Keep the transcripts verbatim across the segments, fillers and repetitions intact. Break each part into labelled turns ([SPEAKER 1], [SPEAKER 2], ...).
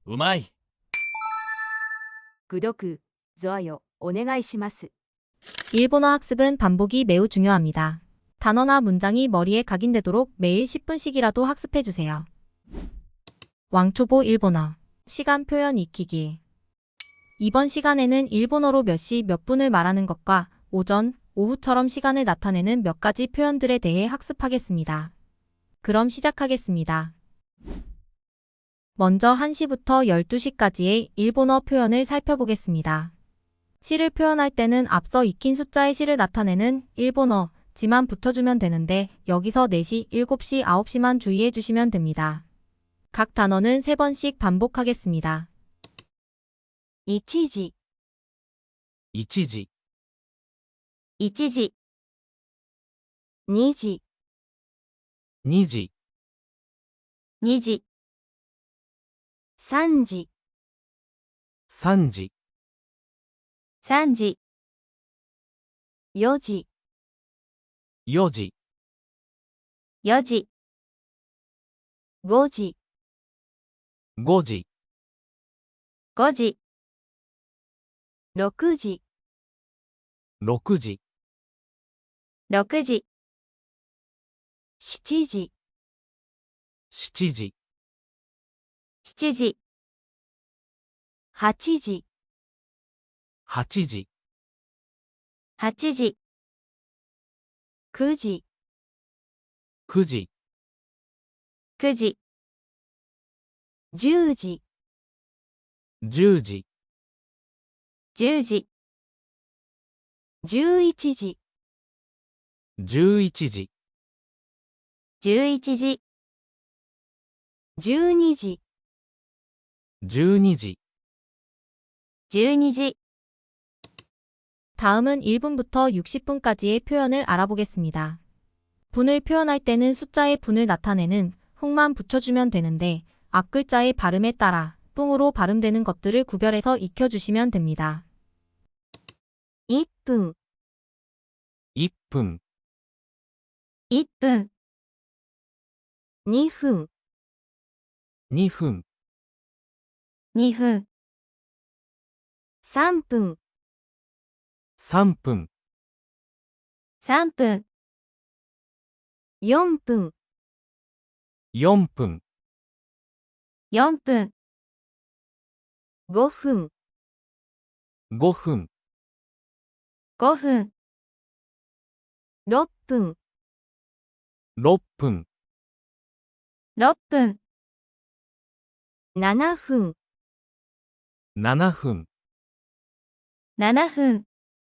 [SPEAKER 1] うまい。
[SPEAKER 2] 구독, 좋아요, お願いします.
[SPEAKER 3] 일본어 학습은 반복이 매우 중요합니다. 단어나 문장이 머리에 각인되도록 매일 십 분씩이라도 학습해주세요. 왕초보 일본어 시간 표현 익히기. 이번 시간에는 일본어로 몇 시 몇 분을 말하는 것과 오전, 오후처럼 시간을 나타내는 몇 가지 표현들에 대해 학습하겠습니다. 그럼 시작하겠습니다. 먼저 한 시부터 열두 시까지의 일본어 표현을 살펴보겠습니다. 시를 표현할 때는 앞서 익힌 숫자의 시를 나타내는 일본어 지만 붙여주면 되는데 여기서 네 시, 일곱 시, 아홉 시만 주의해 주시면 됩니다. 각 단어는 세 번씩 반복하겠습니다.
[SPEAKER 2] 이치지,
[SPEAKER 1] 이치지,
[SPEAKER 2] 이치지, 니지,
[SPEAKER 1] 니지,
[SPEAKER 2] 니지, 삼지,
[SPEAKER 1] 삼지,
[SPEAKER 2] 삼지, 요지,
[SPEAKER 1] 요지,
[SPEAKER 2] 여지, 고지,
[SPEAKER 1] 고지,
[SPEAKER 2] 고지, 육지,
[SPEAKER 1] 육지,
[SPEAKER 2] 육지, 칠지,
[SPEAKER 1] 칠지,
[SPEAKER 2] 칠지, 팔지,
[SPEAKER 1] 팔지,
[SPEAKER 2] 팔지, 구지,
[SPEAKER 1] 구지,
[SPEAKER 2] 구지, 십지,
[SPEAKER 1] 십지,
[SPEAKER 2] 십지, 십일지,
[SPEAKER 1] 십일지,
[SPEAKER 2] 십일지, 십이지,
[SPEAKER 1] 십이지,
[SPEAKER 2] 십이지.
[SPEAKER 3] 다음은 일 분부터 육십 분까지의 표현을 알아보겠습니다. 분을 표현할 때는 숫자의 분을 나타내는 훅만 붙여주면 되는데 앞글자의 발음에 따라 뿡으로 발음되는 것들을 구별해서 익혀주시면 됩니다.
[SPEAKER 2] 일 분,
[SPEAKER 1] 일 분,
[SPEAKER 2] 일 분, 이 분,
[SPEAKER 1] 이 분,
[SPEAKER 2] 이 분, 삼 분,
[SPEAKER 1] 삼 분,
[SPEAKER 2] 삼 분, 사 분,
[SPEAKER 1] 사 분,
[SPEAKER 2] 사 분, 오 분,
[SPEAKER 1] 오 분,
[SPEAKER 2] 오 분, 육 분,
[SPEAKER 1] 육 분,
[SPEAKER 2] 육 분, 칠 분,
[SPEAKER 1] 칠 분,
[SPEAKER 2] 칠 분,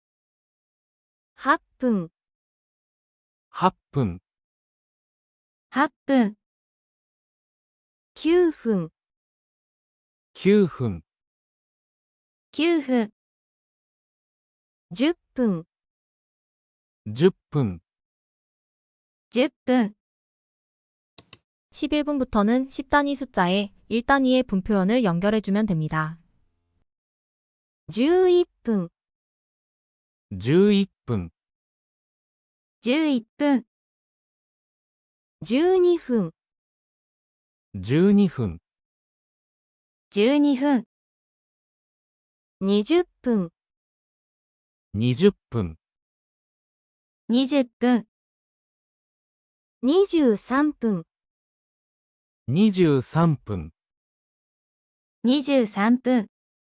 [SPEAKER 2] 팔 분,
[SPEAKER 1] 팔 분,
[SPEAKER 2] 팔 분, 구 분,
[SPEAKER 1] 구 분,
[SPEAKER 2] 구 분, 십 분,
[SPEAKER 1] 십 분,
[SPEAKER 2] 십 분,
[SPEAKER 3] 십일 분부터는 십 단위 숫자에 일 단위의 분 표현을 연결해주면 됩니다.
[SPEAKER 2] 십일 분,
[SPEAKER 1] 십일 분,
[SPEAKER 2] 십일 분, 십이 분,
[SPEAKER 1] 십이 분,
[SPEAKER 2] 십이 분, 이십 분,
[SPEAKER 1] 이십 분,
[SPEAKER 2] 이십 분, 이십삼 분,
[SPEAKER 1] 이십삼 분,
[SPEAKER 2] 이십삼 분,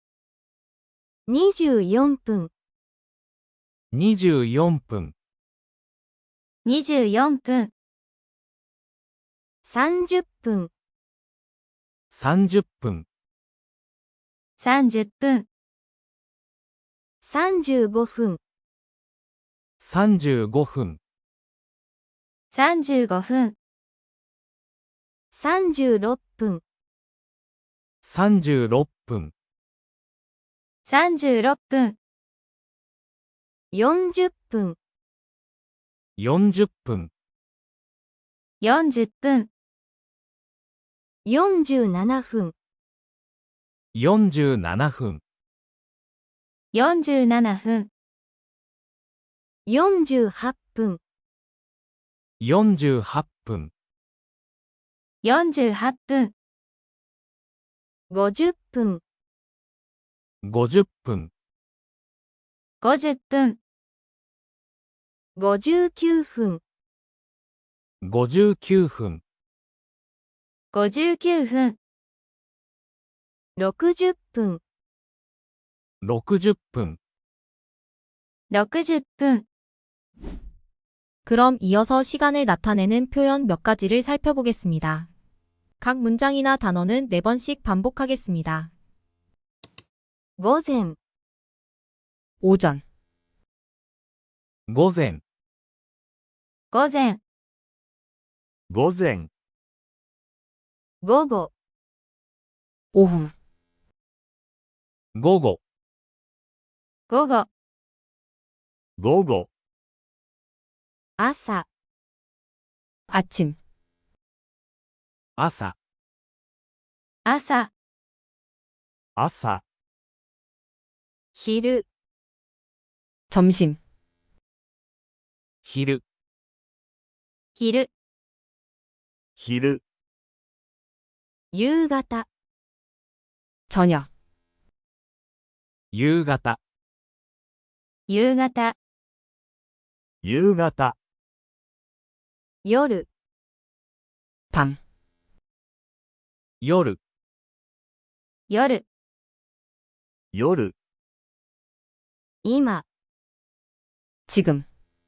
[SPEAKER 2] 이십사 분,
[SPEAKER 1] 이십사 분,
[SPEAKER 2] 이십사 분, 삼십 분,
[SPEAKER 1] 삼십 분,
[SPEAKER 2] 삼십 분, 삼십오 분,
[SPEAKER 1] 삼십오 분,
[SPEAKER 2] 삼십오 분, 삼십육 분,
[SPEAKER 1] 삼십육 분,
[SPEAKER 2] 삼십육 분, 사십 분,
[SPEAKER 1] 사십 분,
[SPEAKER 2] 사십 분, 사십칠 분,
[SPEAKER 1] 사십칠 분,
[SPEAKER 2] 사십칠 분, 사십팔 분,
[SPEAKER 1] 사십팔 분,
[SPEAKER 2] 사십팔 분, ごじゅっぷん、
[SPEAKER 1] ごじゅっぷん、
[SPEAKER 3] ごじゅっぷん、
[SPEAKER 2] ごじゅうきゅうふん、
[SPEAKER 1] ごじゅうきゅうふん、
[SPEAKER 3] ごじゅうきゅうふん、
[SPEAKER 2] ろくじゅっぷん、
[SPEAKER 1] ろくじゅっぷん。
[SPEAKER 3] ろくじゅっぷん. 그럼 이어서 시간을 나타내는 표현 몇 가지를 살펴보겠습니다. 각 문장이나 단어는 네 번씩 반복하겠습니다.
[SPEAKER 2] 午前、
[SPEAKER 3] 오전,
[SPEAKER 1] 午前、
[SPEAKER 3] 午前,
[SPEAKER 4] 午前、
[SPEAKER 2] 午後、
[SPEAKER 3] 오후,
[SPEAKER 1] 午後、
[SPEAKER 3] 午後,
[SPEAKER 4] 午後、
[SPEAKER 2] 朝、
[SPEAKER 3] 아침,
[SPEAKER 1] 朝、
[SPEAKER 3] 아사,
[SPEAKER 4] 朝、
[SPEAKER 2] 昼、
[SPEAKER 3] 점심,
[SPEAKER 1] 昼、
[SPEAKER 3] 昼,
[SPEAKER 4] 昼、
[SPEAKER 2] 夕方、
[SPEAKER 3] 저녁,
[SPEAKER 1] 夕方、
[SPEAKER 3] 夕方,
[SPEAKER 4] 夕方、
[SPEAKER 2] 夜、
[SPEAKER 3] 밤,
[SPEAKER 1] 夜、
[SPEAKER 3] 夜,
[SPEAKER 4] 夜、
[SPEAKER 2] 今、
[SPEAKER 3] 지금,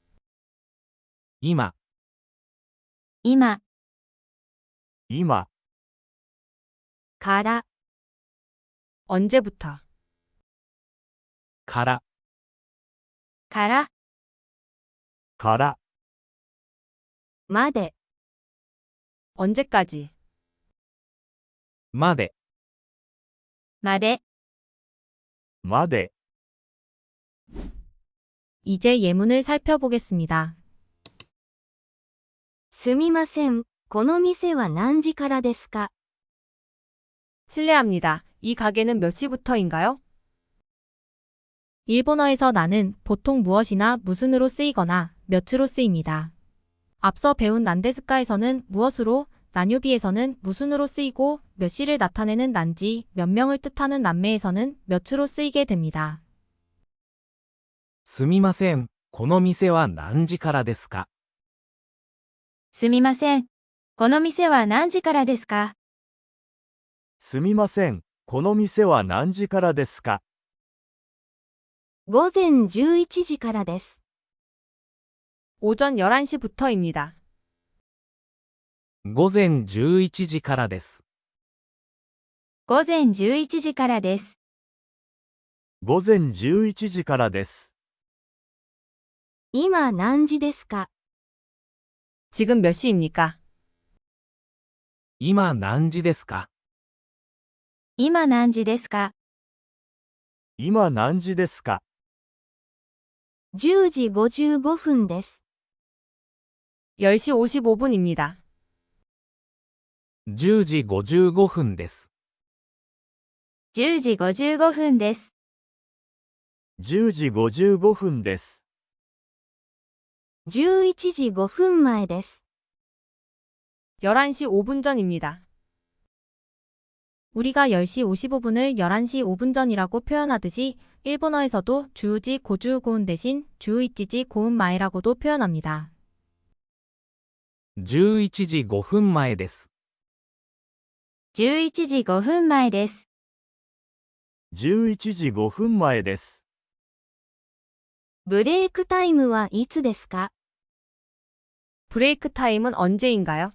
[SPEAKER 1] 今、
[SPEAKER 3] 今,
[SPEAKER 4] 今、
[SPEAKER 2] から、
[SPEAKER 3] 언제부터,
[SPEAKER 1] から、
[SPEAKER 3] 가라,
[SPEAKER 4] から、
[SPEAKER 2] まで、
[SPEAKER 3] 언제까지,
[SPEAKER 1] まで、
[SPEAKER 3] 마대.
[SPEAKER 4] まで、
[SPEAKER 3] 이제 예문을 살펴보겠습니다.
[SPEAKER 2] すみません、この店は何時からですか？
[SPEAKER 3] 실례합니다. 이 가게는 몇 시부터인가요? 일본어에서 나는 보통 무엇이나 무슨으로 쓰이거나 몇으로 쓰입니다. 앞서 배운 난데스카에서는 무엇으로, 나뇨비에서는 무슨으로 쓰이고 몇 시를 나타내는 난지, 몇 명을 뜻하는 난매에서는 몇으로 쓰이게 됩니다.
[SPEAKER 1] すみません、この店は何時からですか？
[SPEAKER 3] すみません。この店は何時からですか？
[SPEAKER 4] すみません、この店は何時からですか？
[SPEAKER 2] 午前じゅういちじからです。
[SPEAKER 3] 오전 열한 시부터입니다.
[SPEAKER 1] 午前じゅういちじからです。
[SPEAKER 3] 午前じゅういちじからです。
[SPEAKER 4] 午前じゅういちじからです。
[SPEAKER 2] 今何時ですか？
[SPEAKER 3] 지금 몇 시입니까?
[SPEAKER 1] 今何時ですか？
[SPEAKER 3] 今何時ですか?
[SPEAKER 4] 今何時ですか？
[SPEAKER 2] じゅうじごじゅうごふんです。
[SPEAKER 3] 열 시 오십오 분입니다.
[SPEAKER 1] じゅうじごじゅうごふんです。
[SPEAKER 3] じゅうじごじゅうごふんです。
[SPEAKER 4] じゅうじごじゅうごふんです。
[SPEAKER 2] じゅういちじごふんまえです。
[SPEAKER 3] 열한 시 오 분 전입니다. 우리가 열 시 오십오 분을 열한 시 오 분 전이라고 표현하듯이 일본어에서도 주우지 고주 고운 대신 주우이치지 고운 마에라고도 표현합니다.
[SPEAKER 1] じゅういちじごふんまえです。
[SPEAKER 3] じゅういちじごふんまえです。
[SPEAKER 4] じゅういちじごふんまえです。
[SPEAKER 2] ブレイクタイムはいつですか？
[SPEAKER 3] 브레이크 타임은 언제인가요?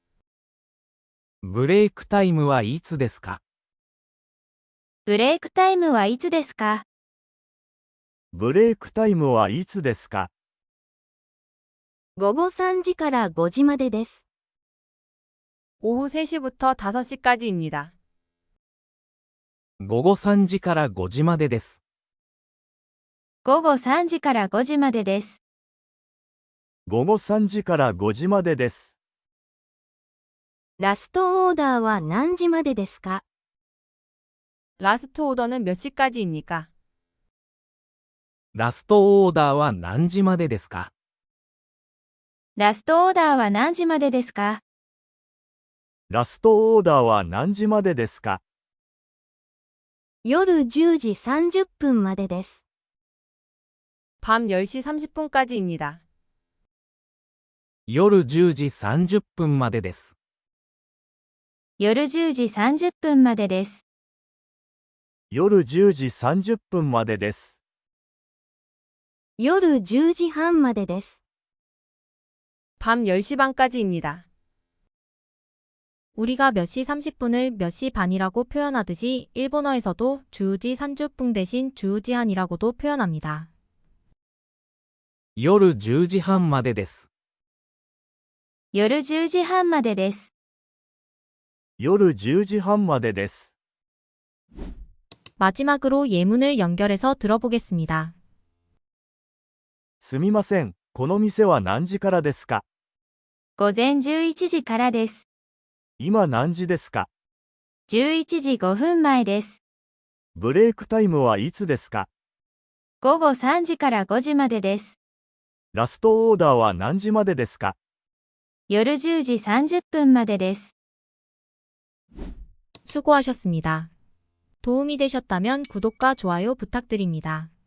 [SPEAKER 1] ブレイクタイムはいつですか？
[SPEAKER 3] ブレイクタイムはいつですか?
[SPEAKER 4] ブレイクタイムはいつですか？
[SPEAKER 2] 午後さんじからごじまでです。
[SPEAKER 3] 오후 세 시부터 다섯 시까지입니다.
[SPEAKER 1] 午後さんじからごじまでです。
[SPEAKER 3] 午後さんじからごじまでです。
[SPEAKER 4] 午後さんじからごじまでです。
[SPEAKER 2] ラストオーダーは何時までですか？
[SPEAKER 3] 라스트 오더는 몇 시까지입니까?
[SPEAKER 1] ラストオーダーは何時までですか？
[SPEAKER 3] ラストオーダーは何時までですか?
[SPEAKER 4] ラストオーダーは何時までですか？
[SPEAKER 2] 夜じゅうじさんじゅっぷんまでです。
[SPEAKER 3] 밤 열 시 삼십 분까지입니다.
[SPEAKER 1] 夜じゅうじさんじゅっぷんまでです。
[SPEAKER 5] 夜じゅうじさんじゅっぷんまでです。
[SPEAKER 4] 夜じゅうじさんじゅっぷんまでです。
[SPEAKER 2] 夜じゅうじはんまでです。
[SPEAKER 3] 밤 열 시 반까지입니다. 우리가 몇 시 삼십 분을 몇 시 반이라고 표현하듯이 일본어에서도 주우지 산주풍 대신 주우지한이라고도 표현합니다.
[SPEAKER 1] 夜じゅうじはんまでです。
[SPEAKER 5] 夜じゅうじはんまでです。
[SPEAKER 4] 夜じゅうじはんまでです。
[SPEAKER 3] 마지막으로 예문을 연결해서 들어보겠습니다.
[SPEAKER 4] すみません、この店は何時からですか？
[SPEAKER 5] 午前じゅういちじからです。
[SPEAKER 4] 今何時ですか？
[SPEAKER 5] じゅういちじごふんまえです。
[SPEAKER 4] ブレイクタイムはいつですか？
[SPEAKER 5] 午後さんじからごじまでです。
[SPEAKER 4] ラストオーダーは何時までですか？
[SPEAKER 5] 夜じゅうじさんじゅっぷんまでです。
[SPEAKER 3] 수고하셨습니다. 도움이 되셨다면 구독과 좋아요 부탁드립니다.